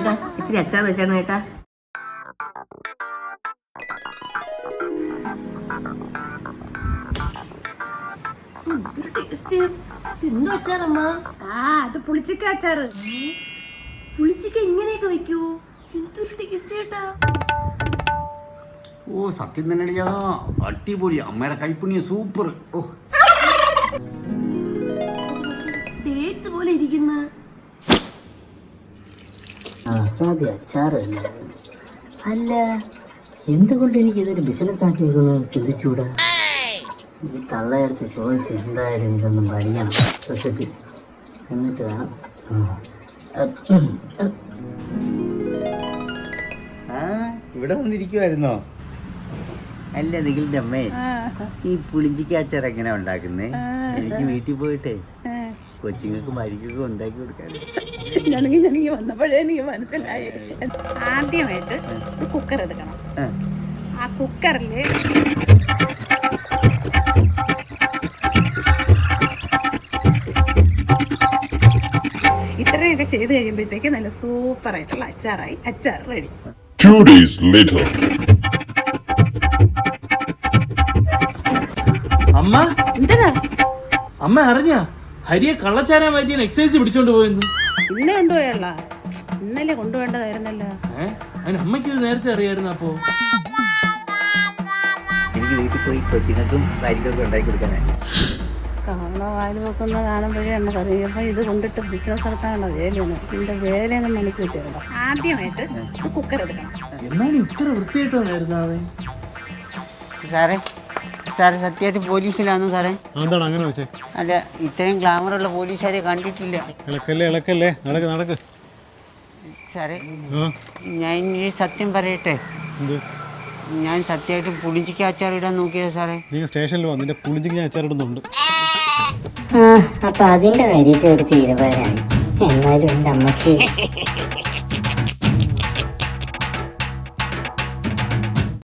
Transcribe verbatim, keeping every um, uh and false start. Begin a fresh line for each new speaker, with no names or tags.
ചേട്ടാ ഇത്തിരി അച്ചാർ വെച്ചാണ് ചേട്ടാ. എന്തൊരു ടേസ്റ്റ്. എന്തോ അച്ചാറമ്മ?
ആ അത് പുളിച്ചിക്ക അച്ചാറ്.
പുളിച്ചിക്ക ഇങ്ങനെയൊക്കെ വെക്കൂ? എന്തൊരു ടേസ്റ്റ് ചേട്ടാ.
ഓ സത്യം തന്നെയാ, അടിപൊളി. അമ്മയുടെ കൈപ്പുണ്യ സൂപ്പർ. ഓ
ഡേറ്റ്സ് പോലെ ഇരിക്കുന്ന
അസാധ്യ അച്ചാറ് അല്ല. എന്തുകൊണ്ട് എനിക്ക് ഇതൊരു ബിസിനസ് ആക്കിയെന്ന് ചിന്തിച്ചുകൂടാ? ഈ തള്ളയെടുത്ത് ചോദിച്ച് എന്തായാലും ഇതൊന്നും പഠിക്കണം റെസിപ്പി, എന്നിട്ട് വേണം.
ആ ഇവിടെ വന്നിരിക്കുവായിരുന്നോ? അല്ല നിഖിലിന്റെ അമ്മേ, ഈ പുളിഞ്ചിക്ക അച്ചാർ എങ്ങനെ ഉണ്ടാക്കുന്നേ? എനിക്ക് വീട്ടിൽ പോയിട്ടേ കൊച്ചുങ്ങൾക്ക് മരിക്കൊക്കെ ഉണ്ടാക്കി കൊടുക്കാറ്.
ഞാനെങ്കിൽ എനിക്ക് വന്നപ്പോഴേ എനിക്ക് മനസ്സിലായി. ആദ്യമായിട്ട് കുക്കർ എടുക്കണം. ആ കുക്കറിൽ ഇത്രയൊക്കെ ചെയ്ത് കഴിയുമ്പോഴത്തേക്ക് നല്ല സൂപ്പറായിട്ടുള്ള അച്ചാറായി. അച്ചാർ റെഡി.
Two days later.
അമ്മ
എന്താ
അമ്മ അറിഞ്ഞ ഹരിയെ കള്ളച്ചാരാൻ മാറ്റിയ എക്സസൈസ് പിടിച്ചോണ്ട് പോയെന്ന്?
ഇന്ന് കൊണ്ടുപോയല്ല, ഇന്നലെ കൊണ്ടുപോകേണ്ടതായിരുന്നല്ലോ.
ഏഹ് അതിന് അമ്മയ്ക്ക് ഇത് നേരത്തെ അറിയായിരുന്നു. അപ്പോ
എനിക്ക് വീട്ടിൽ പോയി കൊച്ചുങ്ങൾക്കും മരിക്കൊക്കെ ഉണ്ടാക്കി കൊടുക്കാനാ.
കാണോ വായിൽ വെക്കുന്ന കാണുമ്പോഴേ നമുക്കറിയാം. അപ്പം ഇത് കൊണ്ടിട്ട് ബിസിനസ് നടത്താനുള്ള വേലയാണ്. ഇതിൻ്റെ വേലയൊന്നും മനസ്സിൽ വെച്ചിരുന്നു. ആദ്യമായിട്ട് കുക്കർ എടുക്കണം.
എന്നാലും ഇത്ര വൃത്തിയായിട്ടായിരുന്നു അവൻ.
സാറേ സാറേ സത്യമായിട്ട് പോലീസിലാണോ സാറേ?
എന്താണ് അങ്ങനെ വെച്ചേ?
അല്ല, ഇത്രയും ഗ്ലാമറുള്ള പോലീസുകാരെ കണ്ടിട്ടില്ല.
ഇളക്കല്ലേ ഇളക്കല്ലേ നടക്ക് നടക്ക്.
സാറേ ഞാൻ ഇനി സത്യം പറയട്ടെ,
എന്ത്?
ഞാൻ സത്യമായിട്ട് പുളിഞ്ചിക്ക അച്ചാർ ഇടാൻ നോക്കിയത് സാറേ.
നീ സ്റ്റേഷനിൽ വന്ന് നിന്റെ പുളിഞ്ചിക്ക് ഞാൻ അച്ചാറിടുന്നുണ്ട്.
ആ അപ്പൊ അതിന്റെ കാര്യത്തിൽ ഒരു തീരുമാനമായി. എന്നാലും എൻ്റെ അമ്മച്ചി